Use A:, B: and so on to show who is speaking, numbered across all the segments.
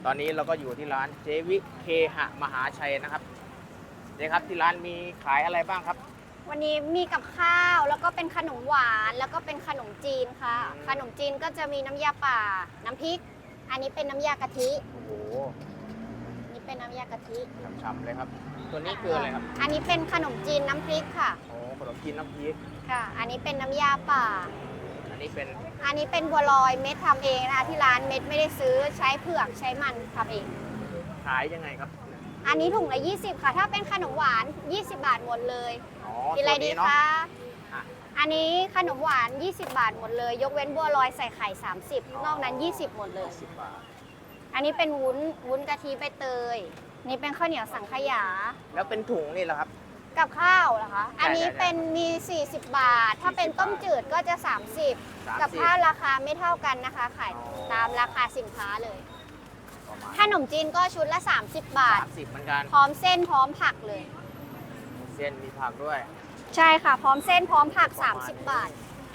A: ตอนนี้เราก็อยู่ที่ร้านเจวิเคหะมหาชัยนะครับเจ๊ครับที่ร้านมีขายอะไรบ้างครับ
B: วันนี้มีกับข้าวแล้วก็เป็นขนมหวานแล้วก็เป็นขนมจีนค่ะขนมจีนก็จะมีน้ำยาป่าน้ำพริกอันนี้เป็นน้ำยากะทิ
A: โอ้โห
B: นี่เป็นน้ำยากะทิ
A: ฉ่ำๆเลยครับตัวนี้คืออะไรครับ
B: อันนี้เป็นขนมจีนน้ำพริกค่ะ
A: โอ้ขนมจีนน้ำพริก
B: ค่ะอันนี้เป็นน้ำยาป่า
A: อันนี้เป็น
B: บัวลอยเม็ดทำเองนะคะที่ร้านเม็ดไม่ได้ซื้อใช้เผือกใช้มันทำเอง
A: ขายยังไงครับ
B: อันนี้ถุงละ20ค่ะถ้าเป็นขนมหวาน20 บาทหมดเลยกินอะไรดีคะอันนี้ขนมหวาน20 บาทหมดเลยยกเว้นบัวลอยใส่ไข่30นอกนั้น20หมดเลยอันนี้เป็นวุ้นกะทิใบเตยนี่เป็นข้าวเหนียวสังขยา
A: แล้วเป็นถุงนี่เหรอครับ
B: กับข้าวเหรอคะอันนี้เป็นมี40 บาทถ้าเป็นต้มจืดก็จะ30กับข้าวราคาไม่เท่ากันนะคะขายตามราคาสินค้าเลยขนมจีนก็ชุดละ30 บาท
A: 30เหมือนกัน
B: พร้อมเส้นพร้อมผักเลย
A: เส้นมีผักด้วย
B: ใช่ค่ะพร้อมเส้นพร้อมผัก30 บาท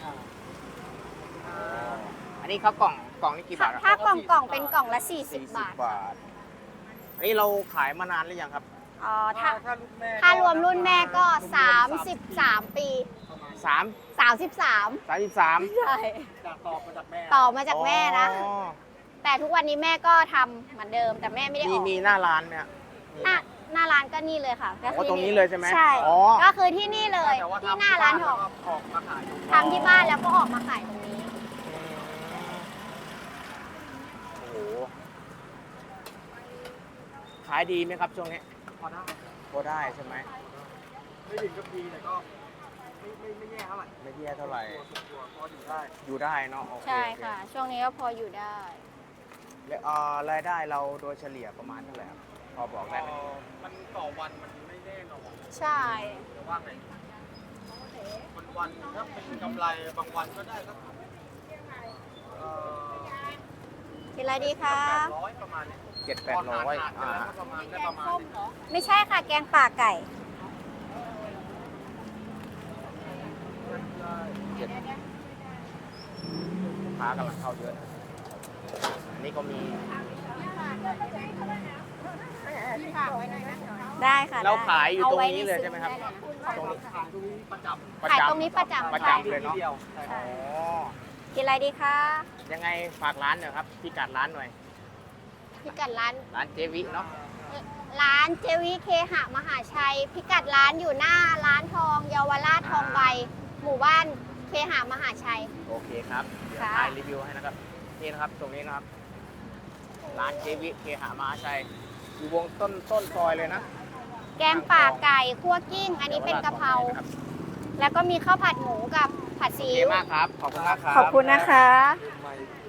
A: อันนี้เขากล่องนี่กี่บาท
B: ถ้ากล่องเป็นกล่องละ40 บาท
A: อันนี้เราขายมานานหรือยังครับ
B: อ๋อถ้ารวมรุ่นแม่ก็33 ปี33ใช่ต่อมาจากแม่นะแต่ทุกวันนี้แม่ก็ทำเหมือนเดิมแต่แม่ไม่ได้ออก
A: มีหน้าร้านไหม
B: หน้าร้านก็นี่เลยค่ะ
A: ก็ตรงนี้เลยใช่ไหม
B: ใช่ก็คือที่นี่เลยที่หน้าร้านทองทำที่บ้านแล้วก็ออกมาขายตรงนี้
A: โอ้โหขายดีไหมครับช่วงนี้พอได้ใช่ไหม
C: ไม่ถึงกับดีแต่ก็ไม่แย่เท่าไหร่
A: ไม่แย่เท่าไหร่
C: พออยู่
A: ได้เนาะ
B: ใช่ค่ะช่วงนี้ก็พออยู่ได้
A: แล้วรายได้เราโดยเฉลี่ยประมาณเท่าไหร่พอบอกได้ไหม
C: มันต่อวันมันไม่แน่นอน
B: ใช่
C: แต่ว่าไงวันถ้าเป็นกำไรบางวันก็ได้ก็
B: กินอะไรดีคะ
C: 800ประมาณนี้
A: 700-800
C: ประมาณ
B: ไม่ใช่ค่ะแกงป่าไก่
A: ค้ากำลังเข้าเยอะอันนี้ก็มี
B: ได้ค่ะ
A: เราขายอยู่ตรงนี้เลยใช่ไหมครับ
C: ตรงนี้ขายตรงนี้ประจำ
B: ขายตรงนี้ประจำ
A: เลยเนาะ
B: กินอะไรดีคะ
A: ยังไงฝากร้านหน่อยครับพิกัดร้านหน่อย
B: พิกัดร้าน
A: เจวิเนาะ
B: ร้านเจวิเคหะมหาชัยพิกัดร้านอยู่หน้าร้านทองเยาวราชทองใบหมู่บ้านเคหะมหาชัย
A: โอเคครับเดี๋ยวถ่ายรีวิวให้นะครับนี่นะครับตรงนี้นะครับร้านเจวิเคหะมหาชัยอยู่วงต้นซอยเลยนะ
B: แกงป่าไก่คั่วกิ้งอันนี้เป็นกะเพราแล้วก็มีข้าวผัดหมูกับผัดซีอิ๊ว
A: โอเคมากครับขอบคุณมากครับ
B: ขอบคุณนะคะ